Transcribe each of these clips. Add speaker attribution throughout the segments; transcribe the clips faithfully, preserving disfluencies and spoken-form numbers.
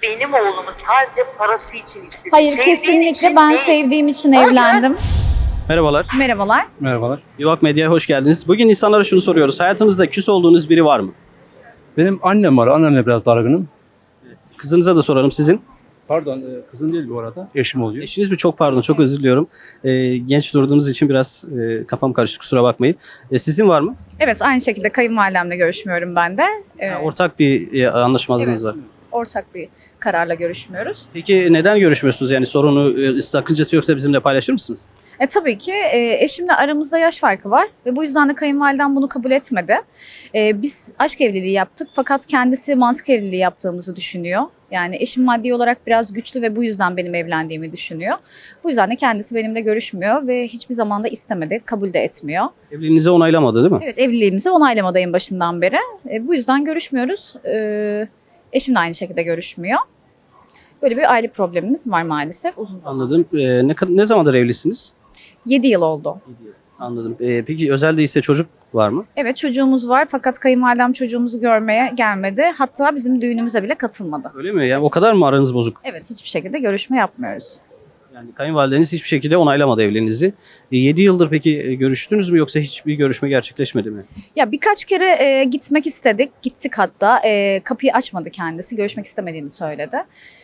Speaker 1: benim oğlumu sadece parası için istedi.
Speaker 2: Hayır,
Speaker 1: Sevdiğin
Speaker 2: kesinlikle
Speaker 1: için
Speaker 2: ben
Speaker 1: değil.
Speaker 2: sevdiğim için
Speaker 1: Hayır.
Speaker 2: evlendim.
Speaker 3: Merhabalar.
Speaker 2: Merhabalar.
Speaker 4: Merhabalar.
Speaker 3: Yuvak Medya'ya hoş geldiniz. Bugün insanlara şunu soruyoruz. Hayatınızda küs olduğunuz biri var mı?
Speaker 4: Benim annem var. Annemle biraz dargınım.
Speaker 3: Kızınıza da soralım sizin.
Speaker 4: Pardon, e, kızım değil bu arada. Eşim oluyor.
Speaker 3: Eşiniz mi? Çok pardon, çok özür diliyorum. Ee, genç durduğunuz için biraz e, kafam karıştı, kusura bakmayın. E, sizin var mı?
Speaker 2: Evet, aynı şekilde kayınvalidemle görüşmüyorum ben de. Ee,
Speaker 3: Ha, ortak bir e, anlaşmazlığınız
Speaker 2: Evet.
Speaker 3: var.
Speaker 2: ortak bir kararla görüşmüyoruz.
Speaker 3: Peki neden görüşmüyorsunuz? Yani sorunu, e, sakıncası yoksa bizimle paylaşır mısınız?
Speaker 2: E, tabii ki e, eşimle aramızda yaş farkı var ve bu yüzden de kayınvalidem bunu kabul etmedi. E, biz aşk evliliği yaptık fakat kendisi mantık evliliği yaptığımızı düşünüyor. Yani eşim maddi olarak biraz güçlü ve bu yüzden benim evlendiğimi düşünüyor. Bu yüzden de kendisi benimle görüşmüyor ve hiçbir zaman da istemedi, kabul de etmiyor.
Speaker 3: Evliliğinizi onaylamadı değil mi?
Speaker 2: Evet, evliliğimizi onaylamadı en başından beri. E, bu yüzden görüşmüyoruz. E, eşim de aynı şekilde görüşmüyor. Böyle bir aile problemimiz var maalesef uzun zaman.
Speaker 3: Anladım. E, ne, kad- ne zamandır evlisiniz?
Speaker 2: yedi yıl oldu.
Speaker 3: Anladım. E, peki özel değilse çocuk var mı?
Speaker 2: Evet, çocuğumuz var fakat kayınvalidem çocuğumuzu görmeye gelmedi. Hatta bizim düğünümüze bile katılmadı.
Speaker 3: Öyle mi? Yani o kadar mı aranız bozuk?
Speaker 2: Evet, hiçbir şekilde görüşme yapmıyoruz.
Speaker 3: Yani kayınvalideniz hiçbir şekilde onaylamadı evliliğinizi. E, yedi yıldır peki e, görüştünüz mü yoksa hiçbir görüşme gerçekleşmedi mi?
Speaker 2: Ya birkaç kere e, gitmek istedik, gittik hatta. E, kapıyı açmadı kendisi, görüşmek istemediğini söyledi.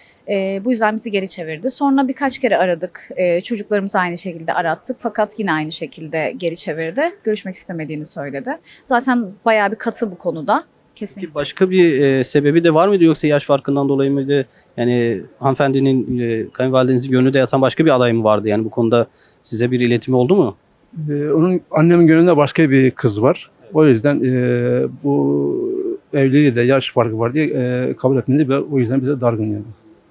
Speaker 2: E, bu yüzden bizi geri çevirdi. Sonra birkaç kere aradık, e, çocuklarımızı aynı şekilde arattık. Fakat yine aynı şekilde geri çevirdi. Görüşmek istemediğini söyledi. Zaten bayağı bir katı bu konuda. Kesinlikle.
Speaker 3: Peki başka bir e, sebebi de var mıydı yoksa yaş farkından dolayı mıydı? Yani hanımefendinin e, kayınvalidenizin gönlünde yatan başka bir aday mı vardı? Yani bu konuda size bir iletimi oldu mu?
Speaker 4: E, onun annemin gönlünde başka bir kız var. O yüzden e, bu evliliği de yaş farkı var diye e, kabul etmedi ve o yüzden bize dargın yani.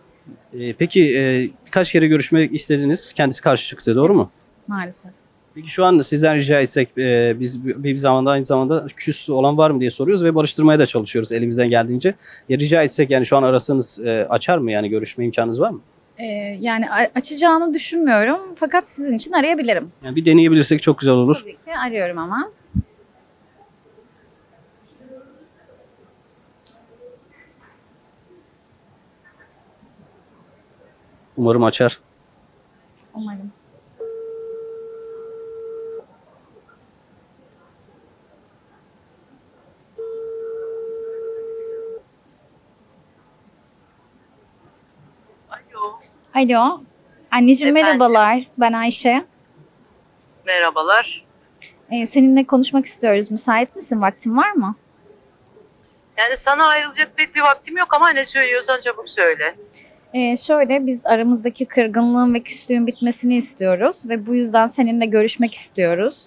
Speaker 3: E, peki e, birkaç kere görüşmek istediniz. Kendisi karşı çıktı, doğru mu?
Speaker 2: Maalesef.
Speaker 3: Peki şu an sizden rica etsek e, biz bir bir zamanda aynı zamanda küs olan var mı diye soruyoruz ve barıştırmaya da çalışıyoruz elimizden geldiğince. Ya rica etsek yani şu an arasanız e, açar mı, yani görüşme imkanınız var mı?
Speaker 2: E, yani a- açacağını düşünmüyorum. Fakat sizin için arayabilirim.
Speaker 3: Yani bir deneyebilirsek çok güzel olur.
Speaker 2: Tabii ki arıyorum ama.
Speaker 3: Umarım açar.
Speaker 2: Umarım.
Speaker 1: Alo,
Speaker 2: Alo. Anneciğim
Speaker 1: Efendim?
Speaker 2: merhabalar. Ben Ayşe.
Speaker 1: merhabalar.
Speaker 2: Ee, seninle konuşmak istiyoruz. Müsait misin? Vaktin var mı?
Speaker 1: Yani sana ayrılacak pek bir vaktim yok ama ne söylüyorsan çabuk söyle.
Speaker 2: Ee, şöyle biz aramızdaki kırgınlığın ve küslüğün bitmesini istiyoruz ve bu yüzden seninle görüşmek istiyoruz.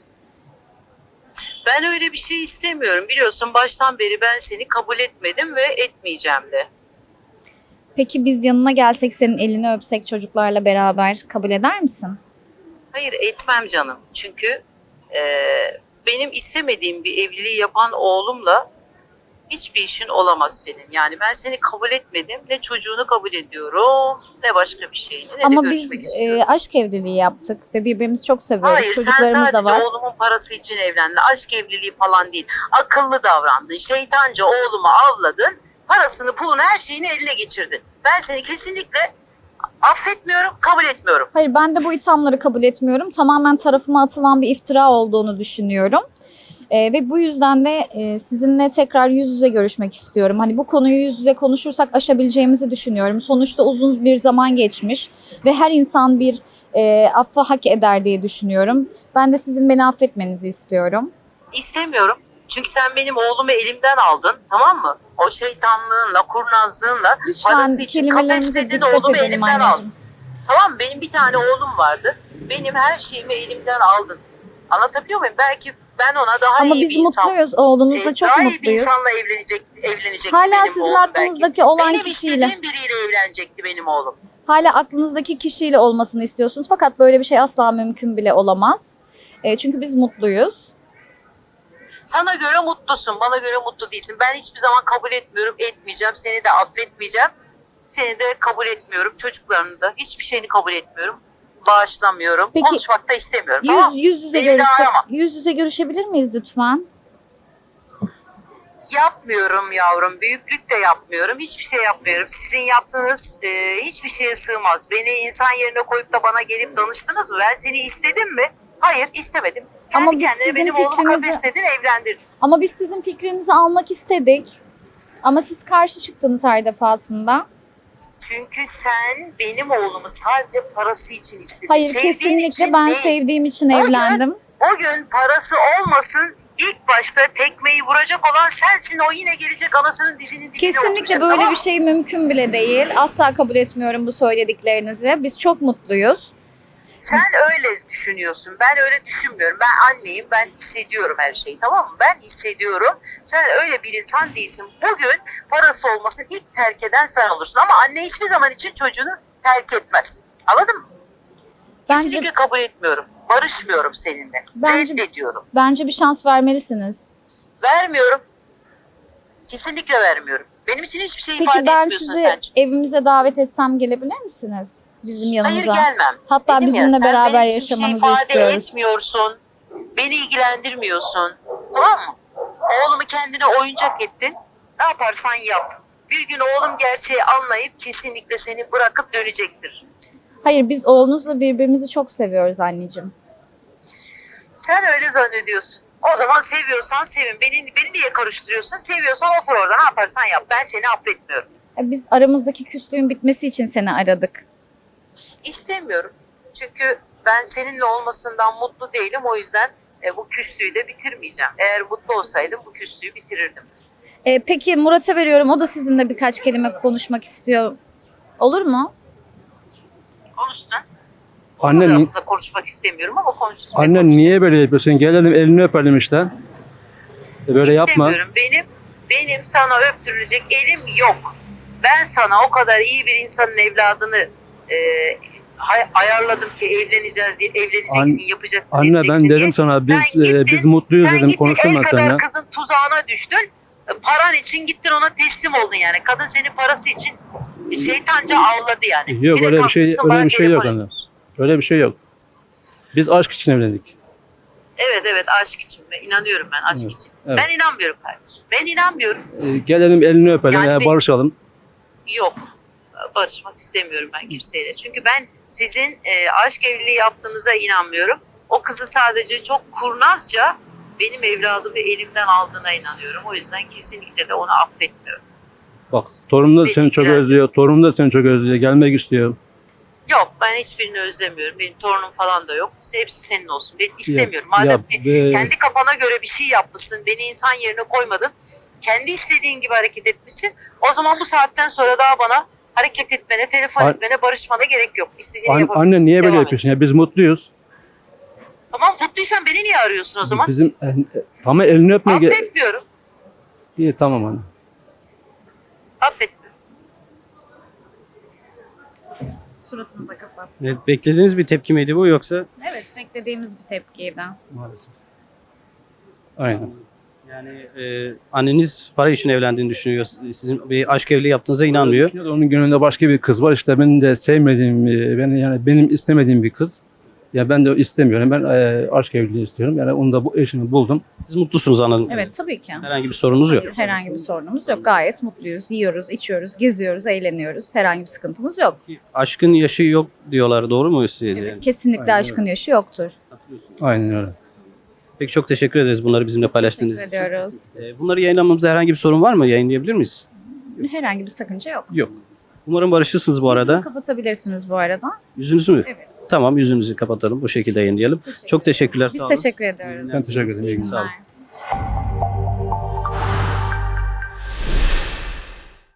Speaker 1: Ben öyle bir şey istemiyorum. Biliyorsun baştan beri ben seni kabul etmedim ve etmeyeceğim de.
Speaker 2: Peki biz yanına gelsek, senin elini öpsek çocuklarla beraber kabul eder misin?
Speaker 1: Hayır, etmem canım. Çünkü e, benim istemediğim bir evliliği yapan oğlumla hiçbir işin olamaz senin. Yani ben seni kabul etmedim. Ne çocuğunu kabul ediyorum, ne başka bir şeyini, ne
Speaker 2: Ama
Speaker 1: de
Speaker 2: biz
Speaker 1: görüşmek istiyorum.
Speaker 2: e, aşk evliliği yaptık ve birbirimizi çok seviyoruz.
Speaker 1: Hayır, sen
Speaker 2: Çocuklarımız da
Speaker 1: sadece
Speaker 2: var.
Speaker 1: oğlumun parası için evlendin. Aşk evliliği falan değil. Akıllı davrandın. Şeytanca oğlumu avladın. Parasını, pulunu, her şeyini eline geçirdin. Ben seni kesinlikle affetmiyorum, kabul etmiyorum.
Speaker 2: Hayır, ben de bu ithamları kabul etmiyorum. Tamamen tarafıma atılan bir iftira olduğunu düşünüyorum. Ee, ve bu yüzden de e, sizinle tekrar yüz yüze görüşmek istiyorum. Hani bu konuyu yüz yüze konuşursak aşabileceğimizi düşünüyorum. Sonuçta uzun bir zaman geçmiş ve her insan bir e, affa hak eder diye düşünüyorum. Ben de sizin beni affetmenizi istiyorum.
Speaker 1: İstemiyorum. Çünkü sen benim oğlumu elimden aldın, tamam mı? O şeytanlığınla, kurnazlığınla,
Speaker 2: Lütfen
Speaker 1: parası için
Speaker 2: kelimelerimize
Speaker 1: kafesledin,
Speaker 2: dikkat
Speaker 1: oğlumu
Speaker 2: edelim
Speaker 1: elimden aldın.
Speaker 2: anneciğim.
Speaker 1: Tamam mı? Benim bir tane oğlum vardı. Benim her şeyimi elimden aldın. Anlatabiliyor muyum? Belki ben ona daha
Speaker 2: Ama
Speaker 1: iyi
Speaker 2: biz
Speaker 1: bir insan...
Speaker 2: mutluyuz. Oğlunuzla
Speaker 1: e,
Speaker 2: çok
Speaker 1: daha iyi bir
Speaker 2: mutluyuz.
Speaker 1: insanla evlenecek, evlenecekti
Speaker 2: Hala
Speaker 1: benim
Speaker 2: sizin
Speaker 1: oğlum
Speaker 2: aklınızdaki
Speaker 1: belki.
Speaker 2: olan
Speaker 1: Benim
Speaker 2: kişiyle.
Speaker 1: istediğim biriyle evlenecekti benim oğlum.
Speaker 2: Hala aklınızdaki kişiyle olmasını istiyorsunuz. Fakat böyle bir şey asla mümkün bile olamaz. E, çünkü biz mutluyuz.
Speaker 1: Sana göre mutlusun, bana göre mutlu değilsin. Ben hiçbir zaman kabul etmiyorum, etmeyeceğim. Seni de affetmeyeceğim. Seni de kabul etmiyorum. Çocuklarını da hiçbir şeyini kabul etmiyorum. Bağışlamıyorum.
Speaker 2: Peki,
Speaker 1: Konuşmak da istemiyorum.
Speaker 2: Yüz,
Speaker 1: Tamam.
Speaker 2: yüz yüze
Speaker 1: Beni bir daha
Speaker 2: görüşse,
Speaker 1: arama.
Speaker 2: yüz yüze görüşebilir miyiz lütfen?
Speaker 1: Yapmıyorum yavrum. Büyüklük de yapmıyorum. Hiçbir şey yapmıyorum. Sizin yaptığınız e, hiçbir şeye sığmaz. Beni insan yerine koyup da bana gelip danıştınız mı? Ben seni istedim mi? Hayır, istemedim. Kendi
Speaker 2: Ama biz
Speaker 1: kendine
Speaker 2: sizin
Speaker 1: benim oğlumu
Speaker 2: fikrinizi-
Speaker 1: kafesledin, evlendirdin.
Speaker 2: Ama biz sizin fikrinizi almak istedik. Ama siz karşı çıktınız her defasında.
Speaker 1: Çünkü sen benim oğlumu sadece parası için istedin.
Speaker 2: Hayır,
Speaker 1: Sevdiğin
Speaker 2: kesinlikle
Speaker 1: için
Speaker 2: ben
Speaker 1: değil.
Speaker 2: sevdiğim için
Speaker 1: O gün-
Speaker 2: evlendim.
Speaker 1: O gün parası olmasın, ilk başta tekmeyi vuracak olan sensin. O yine gelecek anasının dizinin dibine
Speaker 2: Kesinlikle
Speaker 1: oturacak,
Speaker 2: böyle
Speaker 1: tamam
Speaker 2: bir
Speaker 1: mı?
Speaker 2: şey mümkün bile değil. Asla kabul etmiyorum bu söylediklerinizi. Biz çok mutluyuz.
Speaker 1: Sen öyle düşünüyorsun. Ben öyle düşünmüyorum. Ben anneyim. Ben hissediyorum her şeyi. Tamam mı? Ben hissediyorum. Sen öyle bir insan değilsin. Bugün parası olmasın ilk terk eden sen olursun. Ama anne hiçbir zaman için çocuğunu terk etmez. Anladın mı?
Speaker 2: Bence
Speaker 1: Kesinlikle kabul etmiyorum. Barışmıyorum seninle.
Speaker 2: Bence-
Speaker 1: Reddediyorum.
Speaker 2: bence bir şans vermelisiniz.
Speaker 1: Vermiyorum. Kesinlikle vermiyorum. Benim için hiçbir şey
Speaker 2: Peki
Speaker 1: ifade
Speaker 2: ben
Speaker 1: etmiyorsun
Speaker 2: sizi
Speaker 1: sen.
Speaker 2: evimize davet etsem gelebilir misiniz? Bizim yanımıza.
Speaker 1: Hayır gelmem.
Speaker 2: Hatta
Speaker 1: Dedim ya,
Speaker 2: bizimle
Speaker 1: sen
Speaker 2: beraber
Speaker 1: benim için bir şey
Speaker 2: yaşamanızı
Speaker 1: ifade
Speaker 2: istiyoruz.
Speaker 1: etmiyorsun. Beni ilgilendirmiyorsun. Tamam mı? Oğlumu kendine oyuncak ettin. Ne yaparsan yap. Bir gün oğlum gerçeği anlayıp kesinlikle seni bırakıp dönecektir.
Speaker 2: Hayır, biz oğlunuzla birbirimizi çok seviyoruz anneciğim.
Speaker 1: Sen öyle zannediyorsun. O zaman seviyorsan sevin. Beni, beni niye karıştırıyorsun? Seviyorsan otur orada, ne yaparsan yap. Ben seni affetmiyorum.
Speaker 2: E, Biz aramızdaki küslüğün bitmesi için seni aradık.
Speaker 1: İstemiyorum. Çünkü ben seninle olmasından mutlu değilim. O yüzden e, bu küslüğü de bitirmeyeceğim. Eğer mutlu olsaydım bu küslüğü bitirirdim.
Speaker 2: E, peki Murat'a veriyorum. O da sizinle birkaç kelime konuşmak istiyor. Olur mu?
Speaker 1: Konuşsun.
Speaker 4: Annen
Speaker 1: Onunla da
Speaker 4: ni-
Speaker 1: aslında konuşmak istemiyorum ama konuşsun.
Speaker 4: Annen niye böyle yapıyorsun? Gelelim elini öpelim işte. E böyle yapma.
Speaker 1: İstemiyorum. Benim, benim sana öptürülecek elim yok. Ben sana o kadar iyi bir insanın evladını e, hay- ayarladım ki evleneceğiz, evleneceksin,
Speaker 4: An-
Speaker 1: yapacaksın,
Speaker 4: Anne
Speaker 1: edeceksin
Speaker 4: ben
Speaker 1: diye.
Speaker 4: dedim sana biz
Speaker 1: Sen
Speaker 4: e,
Speaker 1: gittin,
Speaker 4: biz mutluyuz
Speaker 1: Sen
Speaker 4: dedim.
Speaker 1: gittin
Speaker 4: Konuştum
Speaker 1: el
Speaker 4: ben
Speaker 1: kadar
Speaker 4: seninle.
Speaker 1: kızın tuzağına düştün. E, Paran için gittin, ona teslim oldun yani. Kadın seni parası için şeytanca avladı yani.
Speaker 4: Yok
Speaker 1: de
Speaker 4: öyle bir şey
Speaker 1: kalkmışsın
Speaker 4: öyle
Speaker 1: bana
Speaker 4: bir şey yok
Speaker 1: telefon
Speaker 4: anne.
Speaker 1: ediyorsun.
Speaker 4: Öyle bir şey yok. Biz aşk için evlendik.
Speaker 1: Evet evet, aşk için. Ben inanıyorum ben aşk
Speaker 4: Evet,
Speaker 1: için.
Speaker 4: evet.
Speaker 1: Ben inanmıyorum kardeşim. Ben inanmıyorum.
Speaker 4: E, gelelim elini öpelim,
Speaker 1: Yani
Speaker 4: e,
Speaker 1: bir-
Speaker 4: barışalım.
Speaker 1: Yok. Barışmak istemiyorum ben kimseyle. Çünkü ben sizin e, aşk evliliği yaptığınıza inanmıyorum. O kızı sadece çok kurnazca benim evladımı elimden aldığına inanıyorum. O yüzden kesinlikle de onu affetmiyorum.
Speaker 4: Bak torunum da
Speaker 1: Peki,
Speaker 4: seni çok
Speaker 1: biraz-
Speaker 4: özlüyor. Torunum da seni çok özlüyor. Gelmek istiyor.
Speaker 1: Yok, ben hiçbirini özlemiyorum. Benim torunum falan da yok. Hepsi senin olsun. Ben istemiyorum.
Speaker 4: Ya-
Speaker 1: Madem
Speaker 4: ya
Speaker 1: ki
Speaker 4: be-
Speaker 1: kendi kafana göre bir şey yapmışsın, beni insan yerine koymadın, kendi istediğin gibi hareket etmişsin. O zaman bu saatten sonra daha bana hareket etmene, telefon
Speaker 4: An-
Speaker 1: etmene, barışmana gerek yok. İstediğini
Speaker 4: An-
Speaker 1: yapabilirsin.
Speaker 4: anne niye böyle
Speaker 1: Devam et.
Speaker 4: yapıyorsun? Ya biz mutluyuz.
Speaker 1: Tamam, mutluysan beni niye arıyorsun o zaman?
Speaker 4: Bizim e, e, tamam elini öpmeye ge-
Speaker 1: Affetmiyorum.
Speaker 4: İyi tamam anne.
Speaker 1: Affetmiyorum.
Speaker 2: Suratınıza kapat.
Speaker 3: Evet, beklediğiniz bir tepki miydi bu yoksa?
Speaker 2: Evet, beklediğimiz bir tepkiydi.
Speaker 4: Maalesef. Aynen.
Speaker 3: Yani e, anneniz para için evlendiğini düşünüyor. Sizin bir aşk evliliği yaptığınıza inanmıyor.
Speaker 4: Onun gönlünde başka bir kız var. İşte benim de sevmediğim, e, beni yani benim istemediğim bir kız. Ya ben de istemiyorum. Ben e, aşk evliliği istiyorum. Yani onu da bu eşimi buldum.
Speaker 3: Siz mutlusunuz anladım.
Speaker 2: Evet, tabii ki.
Speaker 3: Herhangi bir sorunuz yok.
Speaker 2: Herhangi bir sorunumuz yok. Gayet mutluyuz. Yiyoruz, içiyoruz, geziyoruz, eğleniyoruz. Herhangi bir sıkıntımız yok.
Speaker 3: Aşkın yaşı yok diyorlar. Doğru mu siz?
Speaker 2: Evet,
Speaker 3: Yani?
Speaker 2: kesinlikle
Speaker 4: Aynen
Speaker 2: aşkın yaşı yoktur.
Speaker 4: Aynen öyle.
Speaker 3: Peki çok teşekkür ederiz bunları bizimle paylaştığınız
Speaker 2: Teşekkür
Speaker 3: için.
Speaker 2: ediyoruz.
Speaker 3: E, bunları yayınlamamızda herhangi bir sorun var mı? Yayınlayabilir miyiz?
Speaker 2: Herhangi bir sakınca yok.
Speaker 3: Yok. Umarım barışırsınız bu arada.
Speaker 2: Kapatabilirsiniz bu arada.
Speaker 3: Yüzünüzü mü?
Speaker 2: Evet.
Speaker 3: Tamam, yüzünüzü kapatalım. Bu şekilde yayınlayalım. Çok teşekkürler.
Speaker 2: Biz
Speaker 3: sağ olun.
Speaker 2: teşekkür ediyoruz.
Speaker 4: Ben teşekkür ederim. İyi günler.
Speaker 3: Sağ olun.
Speaker 2: Günler.